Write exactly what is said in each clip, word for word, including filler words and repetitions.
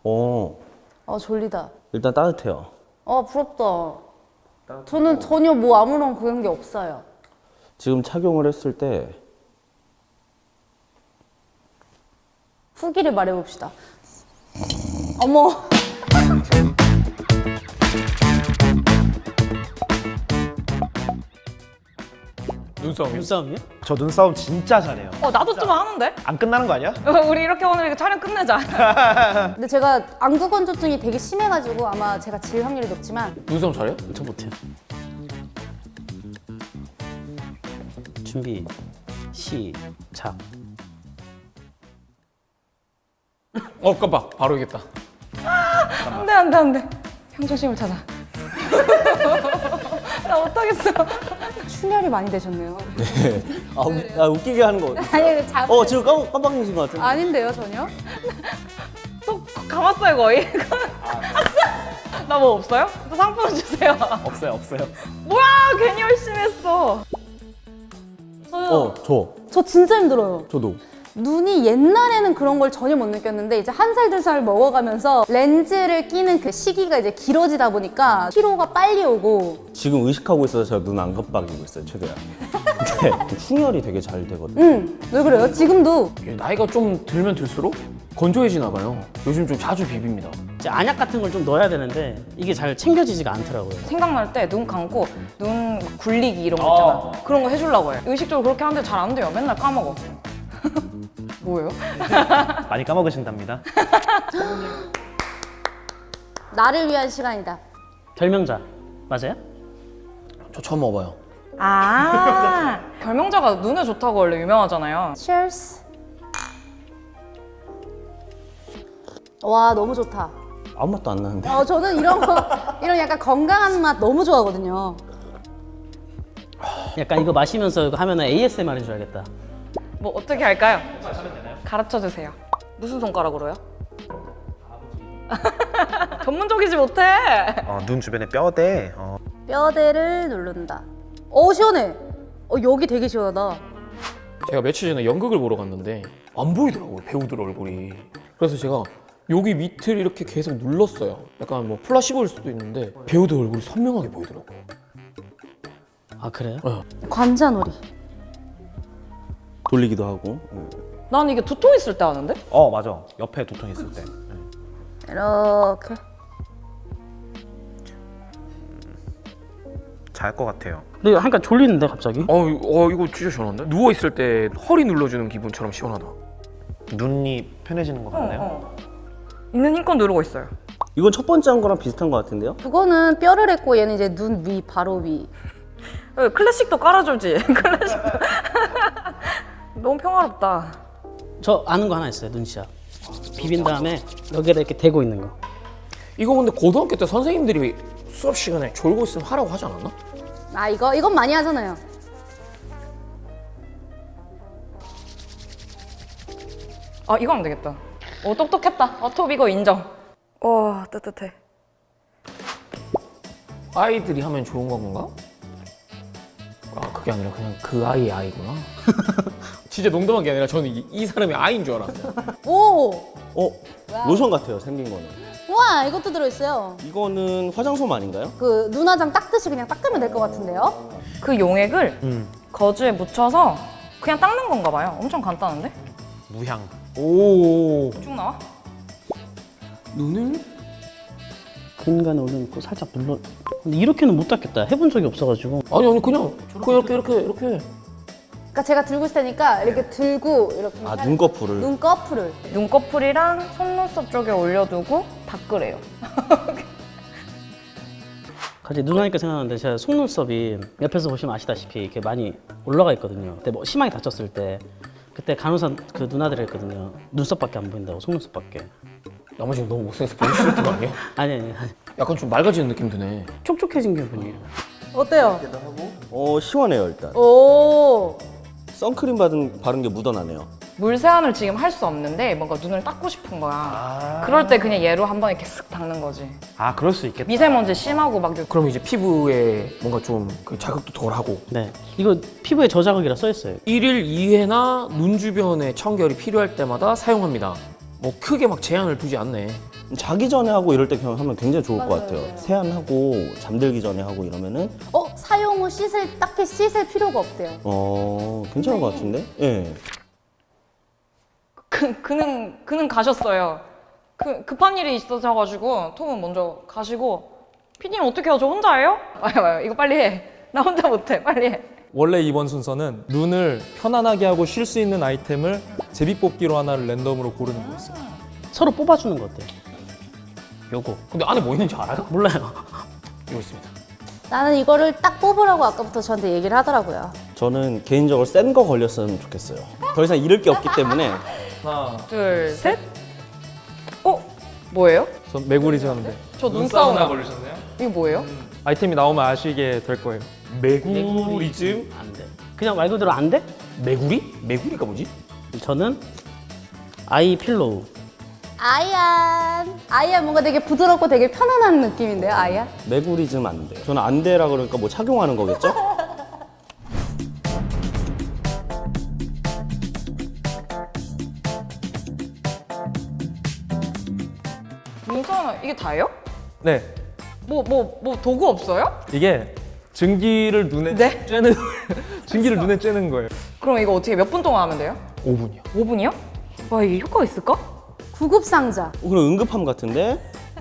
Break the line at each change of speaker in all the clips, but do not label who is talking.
어,
아 졸리다.
일단 따뜻해요.
아 부럽다. 저는 전혀 뭐 아무런 그런 게 없어요.
지금 착용을 했을 때
후기를 말해봅시다. 어머.
눈싸움이요?
눈싸움이요?
저 눈싸움 진짜 잘해요.
어 나도 좀 하는데?
안 끝나는 거 아니야?
우리 이렇게 오늘 이거 촬영 끝내자.
근데 제가 안구 건조증이 되게 심해가지고 아마 제가 질 확률이 높지만
눈싸움 잘해요?
저 못해요. 준비 시작.
어 깜빡 바로 이겼다.
안돼 안돼 안돼. 평정심을 찾아. 나 못하겠어.
출혈이 많이 되셨네요.
아, 우, 아 웃기게 하는 거.
아니 자.
어 지금 깜, 깜빡이신 것 같은데.
아닌데요 전혀.
또 감았어요 거의. 나 뭐 없어요? 또 상품 주세요.
없어요, 없어요.
뭐야 괜히 열심히 했어.
저요.
어, 저,
저 진짜 힘들어요.
저도.
눈이 옛날에는 그런 걸 전혀 못 느꼈는데 이제 한 살 두 살 먹어가면서 렌즈를 끼는 그 시기가 이제 길어지다 보니까 피로가 빨리 오고.
지금 의식하고 있어서 제가 눈 안 깜빡이고 있어요 최대한. 근데 충혈이 되게 잘 되거든요.
응. 왜 그래요? 지금도.
나이가 좀 들면 들수록 건조해지나 봐요. 요즘 좀 자주 비빕니다.
이제 안약 같은 걸 좀 넣어야 되는데 이게 잘 챙겨지지가 않더라고요.
생각날 때 눈 감고 눈 굴리기 이런 거 있잖아. 그런 거 해주려고 해. 의식적으로 그렇게 하는데 잘 안 돼요. 맨날 까먹어. 뭐예요?
많이 까먹으신답니다.
나를 위한 시간이다.
결명자 맞아요?
저 처음 먹어봐요.
아 결명자가 눈에 좋다고 원래 유명하잖아요.
Cheers. 와 너무 좋다.
아무 맛도 안 나는데.
어 저는 이런 거 이런 약간 건강한 맛 너무 좋아하거든요.
약간 이거 마시면서 이거 하면은 에이에스엠알 해줘야겠다.
뭐 어떻게 할까요? 가르쳐 주세요. 무슨 손가락으로요? 전문적이지 못해.
어, 눈 주변에 뼈대. 어.
뼈대를 누른다. 어 시원해. 어 여기 되게 시원하다.
제가 며칠 전에 연극을 보러 갔는데 안 보이더라고요 배우들 얼굴이. 그래서 제가 여기 밑을 이렇게 계속 눌렀어요. 약간 뭐 플라시보일 수도 있는데 배우들 얼굴이 선명하게 보이더라고요.
아 그래요?
네.
관자놀이.
돌리기도 하고.
난 이게 두통 있을 때 하는데?
어, 맞아. 옆에 두통 있을 때.
이렇게.
잘 것 같아요.
근데 이거 하니까 졸리는데 갑자기?
어, 이- 어 이거 진짜 시원한데? 누워 있을 때 허리 눌러주는 기분처럼 시원하다.
눈이 편해지는 것 같나요?
어. 있는 힘껏 누르고 있어요.
이건 첫 번째 한 거랑 비슷한 것 같은데요?
그거는 뼈를 했고 얘는 이제 눈 위 바로 위.
어, 클래식도 깔아주지. 클래식도. 너무 평화롭다.
저 아는 거 하나 있어요. 눈시약. 비빈 다음에 여기에다 이렇게 대고 있는 거.
이거 근데 고등학교 때 선생님들이 수업 시간에 졸고 있으면 하라고 하지 않았나?
아 이거 이건 많이 하잖아요.
아 이거 하면 되겠다. 오 똑똑했다. 어, 톱 이거 인정. 와 뜨뜻해.
아이들이 하면 좋은 건가? 아 그게 아니라 그냥 그 아이의 아이구나. 진짜 농담한 게 아니라 저는 이, 이 사람이 아이인 줄 알았어요.
오.
어, 로션 같아요 생긴 거는.
우와 이것도 들어있어요.
이거는 화장솜 아닌가요?
그 눈화장 닦듯이 그냥 닦으면 될 것 같은데요?
그 용액을
음.
거즈에 묻혀서 그냥 닦는 건가 봐요. 엄청 간단한데?
무향.
오
쭉 나와?
눈을?
근간에 올려놓고 살짝 눌러. 근데 이렇게는 못 닦겠다. 해본 적이 없어가지고.
아니 아니 그냥 그냥 이렇게 이렇게 이렇게.
그러니까 제가 들고 있을 테니까 이렇게 들고 이렇게
아
살-
눈꺼풀을.
눈꺼풀을.
눈꺼풀이랑 속눈썹 쪽에 올려두고 닦으래요.
갑자기 눈 하니까 생각나는데 제가 속눈썹이 옆에서 보시면 아시다시피 이렇게 많이 올라가 있거든요. 그때 뭐 심하게 다쳤을 때 그때 간호사 그 누나들이 했거든요. 눈썹밖에 안 보인다고 속눈썹밖에.
나머지는 너무 못생겨서 보기 싫은 거 아니에요?
아니 아니 아니.
약간 좀 맑아지는 느낌 드네.
촉촉해진 기분이에요.
어때요?
어 시원해요 일단.
오.
선크림 받은 바른 게 묻어나네요.
물 세안을 지금 할 수 없는데 뭔가 눈을 닦고 싶은 거야. 그럴 때 그냥 얘로 한번 이렇게 쓱 닦는 거지.
아, 그럴 수 있겠다.
미세먼지 심하고 막 이렇게
그럼 이제 피부에 뭔가 좀 그 자극도 덜하고.
네. 이거 피부에 저자극이라 써 있어요.
일일 이 회나 눈 주변에 청결이 필요할 때마다 사용합니다. 뭐 크게 막 제한을 두지 않네.
자기 전에 하고 이럴 때 그냥 하면 굉장히 좋을 것 같아요. 세안하고 잠들기 전에 하고 이러면은
어 사용 후 씻을 딱히 씻을 필요가 없대요.
어 괜찮은 것 같은데? 예.
그, 그는 그는 가셨어요. 그 급한 일이 있어서가지고 톰은 먼저 가시고 피디님 어떻게 해요? 저 혼자 해요? 와요 와요 이거 빨리 해. 나 혼자 못해. 빨리 해.
원래 이번 순서는 눈을 편안하게 하고 쉴 수 있는 아이템을 제비뽑기로 하나를 랜덤으로 고르는 거였어요.
서로 뽑아주는 거 어때요? 요거
근데 안에 뭐 있는지 알아요?
몰라요.
이거 있습니다.
나는 이거를 딱 뽑으라고 아까부터 저한테 얘기를 하더라고요.
저는 개인적으로 센 거 걸렸으면 좋겠어요. 더 이상 잃을 게 없기 때문에
하나,
둘 셋. 어 뭐예요?
전 메구리즈였는데
저 눈사우나.
걸리셨네요?
이거 뭐예요?
아이템이 나오면 아시게 될 거예요.
메구리즘?
안 돼. 그냥 말 그대로 안 돼?
메구리? 메구리가 뭐지?
저는 아이 필로우.
아이안. 아이안 뭔가 되게 부드럽고 되게 편안한 느낌인데요, 아이안?
메구리즘 안 돼요. 저는 안 돼라 그러니까 뭐 착용하는 거겠죠?
눈사우나 이게 다예요?
네,
뭐 뭐 뭐 도구 없어요?
이게 증기를 눈에
네?
쬐는 증기를 눈에 쬐는 거예요.
그럼 이거 어떻게 몇 분 동안 하면 돼요?
오 분이요.
오 분이요? 와 이게 효과가 있을까?
구급 상자.
어, 그럼 응급함 같은데?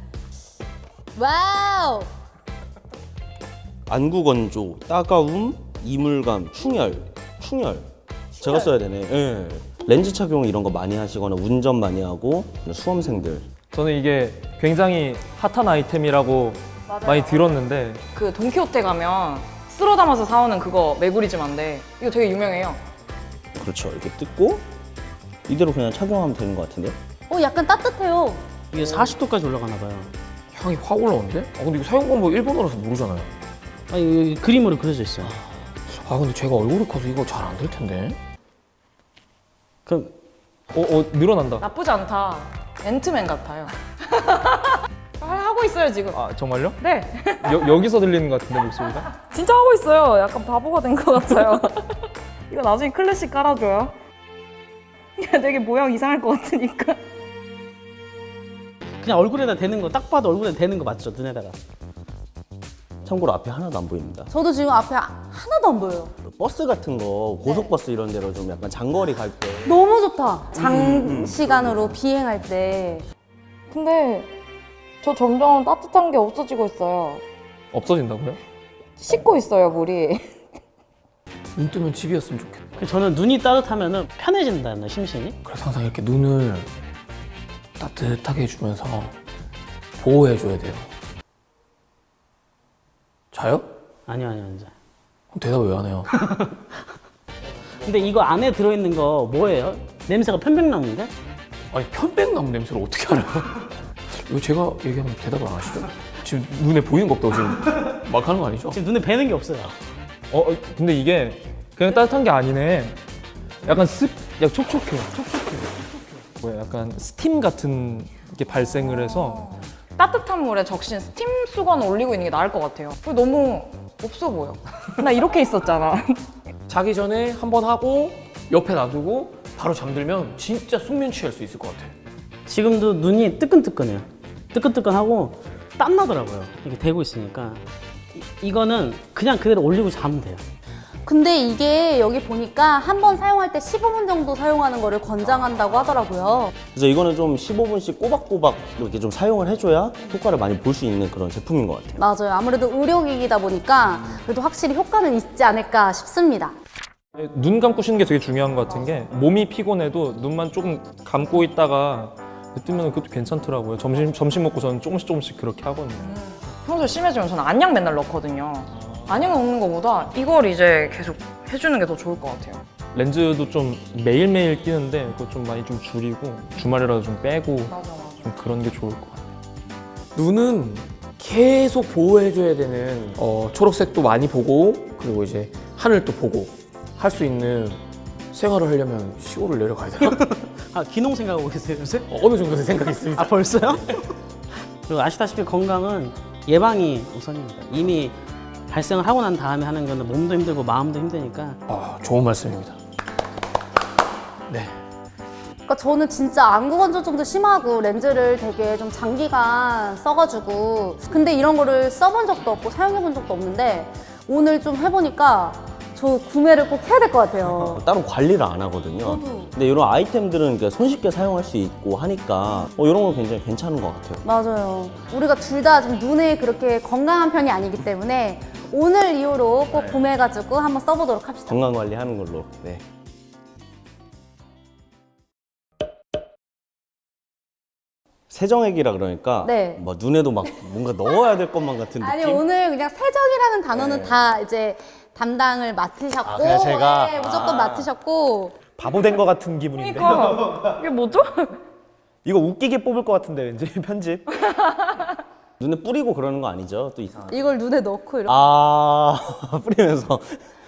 와우.
안구 건조, 따가움, 이물감, 충혈, 충혈. 제가 써야 되네. 예. 렌즈 착용 이런 거 많이 하시거나 운전 많이 하고 수험생들.
저는 이게 굉장히 핫한 아이템이라고 많이 들었는데
그 돈키호테 가면 쓸어 담아서 사오는 그거 메구리즘인데 이거 되게 유명해요.
그렇죠. 이렇게 뜯고 이대로 그냥 착용하면 되는 것 같은데?
어 약간 따뜻해요.
이게 사십 도까지 올라가나 봐요.
향이 확 올라오는데? 아 근데 이거 사용 방법 일본어라서 모르잖아요.
아니 여기 그림으로 그려져 있어요.
아 근데 제가 얼굴이 커서 이거 잘 안 될 텐데.
그럼
어, 어 늘어난다.
나쁘지 않다. 앤트맨 같아요. 아, 하고 있어요 지금.
아 정말요?
네.
여, 여기서 들리는 것 같은데 목소리가?
진짜 하고 있어요. 약간 바보가 된 것 같아요. 이거 나중에 클래식 깔아줘요. 되게 모양 이상할 것 같으니까.
그냥 얼굴에다 대는 거 딱 봐도 얼굴에 대는 거 맞죠? 눈에다가.
참고로 앞에 하나도 안 보입니다.
저도 지금 앞에 하나도 안 보여요.
버스 같은 거, 고속버스 이런 데로 좀 약간 장거리 갈 때.
너무 좋다. 장시간으로 비행할 때.
근데 저 점점 따뜻한 게 없어지고 있어요.
없어진다고요?
씻고 있어요 물이.
눈 뜨면 집이었으면 좋겠다.
저는 눈이 따뜻하면은 편해진다는 심신이.
그래서 항상 이렇게 눈을 따뜻하게 해주면서 보호해줘야 돼요. 자요?
아니요 아니요 아니요.
그럼 대답 왜 안 해요?
근데 이거 안에 들어있는 거 뭐예요? 냄새가 편백나무인데?
아니 편백나무 냄새를 어떻게 알아요? 왜 제가 얘기하면 대답을 안 하시죠? 지금 눈에 보이는 거 없다고 지금 막 하는 거 아니죠?
지금 눈에 뵈는 게 없어요.
어 어, 근데 이게 그냥 따뜻한 게 아니네. 약간 습, 약 촉촉해. 촉촉해. 뭐야, 약간 스팀 같은 게 발생을 해서
따뜻한 물에 적신 스팀 수건 올리고 있는 게 나을 것 같아요. 그거 너무 없어 보여. 나 이렇게 있었잖아.
자기 전에 한 번 하고 옆에 놔두고 바로 잠들면 진짜 숙면 취할 수 있을 것 같아.
지금도 눈이 뜨끈뜨끈해요. 뜨끈뜨끈하고 땀 나더라고요. 이게 대고 있으니까. 이, 이거는 그냥 그대로 올리고 자면 돼요.
근데 이게 여기 보니까 한 번 사용할 때 십오 분 정도 사용하는 거를 권장한다고 하더라고요.
그래서 이거는 좀 십오 분씩 꼬박꼬박 이렇게 좀 사용을 해줘야 효과를 많이 볼 수 있는 그런 제품인 것 같아요.
맞아요. 아무래도 의료기기다 보니까 그래도 확실히 효과는 있지 않을까 싶습니다.
눈 감고 쉬는 게 되게 중요한 것 같은 게 몸이 피곤해도 눈만 조금 감고 있다가 뜨면 그것도 괜찮더라고요. 점심 점심 먹고 저는 조금씩 조금씩 그렇게 하거든요.
평소에 심해지면 저는 안약 맨날 넣거든요. 안약 넣는 것보다 이걸 이제 계속 해주는 게 더 좋을 것 같아요.
렌즈도 좀 매일매일 끼는데 그거 좀 많이 좀 줄이고 주말이라도 좀 빼고
맞아 맞아.
좀 그런 게 좋을 것 같아요.
눈은 계속 보호해줘야 되는 어, 초록색도 많이 보고 그리고 이제 하늘도 보고 할 수 있는 생활을 하려면 시골을 내려가야 되나?
아 기농 생각하고 계세요 요새?
어, 어느 정도 생각이 있습니다.
아 벌써요? 그리고 아시다시피 건강은 예방이 우선입니다. 이미 발생을 하고 난 다음에 하는 거는 몸도 힘들고 마음도 힘드니까
아, 좋은 말씀입니다. 네.
그러니까 저는 진짜 안구 건조증도 심하고 렌즈를 되게 좀 장기간 써가지고 근데 이런 거를 써본 적도 없고 사용해본 적도 없는데 오늘 좀 해보니까 저 구매를 꼭 해야 될 것 같아요.
따로 관리를 안 하거든요.
저도.
근데 이런 아이템들은 그러니까 손쉽게 사용할 수 있고 하니까 어, 이런 건 굉장히 괜찮은 것 같아요.
맞아요. 우리가 둘 다 좀 눈에 그렇게 건강한 편이 아니기 때문에 오늘 이후로 꼭 구매해가지고 한번 써보도록 합시다.
건강 관리하는 걸로. 네. 세정액이라 그러니까
네.
뭐 눈에도 막 뭔가 넣어야 될 것만 같은
아니
느낌?
오늘 그냥 세정이라는 단어는
네.
다 이제 담당을 맡으셨고
아, 그냥 제가?
네, 무조건
아.
맡으셨고
바보 된 것 같은 기분인데.
그러니까 이게 뭐죠?
이거 웃기게 뽑을 것 같은데 왠지 편집.
눈에 뿌리고 그러는 거 아니죠? 또 이상.
이걸 눈에 넣고 이렇게
아 뿌리면서